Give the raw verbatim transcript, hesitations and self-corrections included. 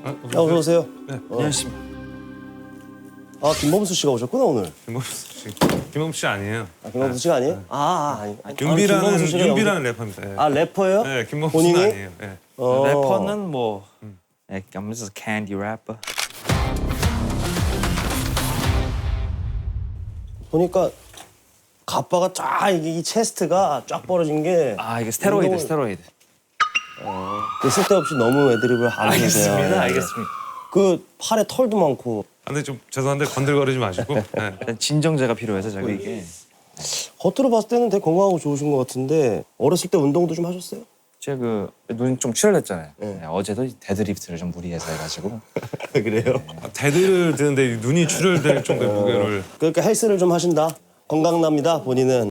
아, 야, 어서 오세요. 네. 어. 안녕하십니까. 아, 김범수 씨가 오셨구나 오늘. 김범수 씨. 김범수 씨 아니에요. 아, 김범수 씨가 아니에요? 아, 아 아니. 아, 윤비라는 김범수 씨가 윤비라는 래퍼입니다. 예. 아, 래퍼예요? 네, 김범수는 본인이? 아니에요. 예. 어. 래퍼는 뭐 네, I'm just a candy rapper. 보니까 가빠가 쫙 이게 이 체스트가 쫙 벌어진 게 아 이게 스테로이드, 운동을- 스테로이드. 그 쓸데없이 너무 애드립을 안 하세요. 알겠습니다, 알겠습니다. 그 팔에 털도 많고 아, 근데 좀 죄송한데 건들거리지 마시고. 예. 일단 진정제가 필요해서 제가 이게 겉으로 봤을 때는 되게 건강하고 좋으신 것 같은데 어렸을 때 운동도 좀 하셨어요? 제가 그 눈이 좀 출혈했잖아요. 네. 네, 어제도 데드리프트를 좀 무리해서 해가지고 그래요? 아, 대들을 드는데 눈이 출혈될 정도의 무게를. 그러니까 헬스를 좀 하신다. 건강납니다 본인은.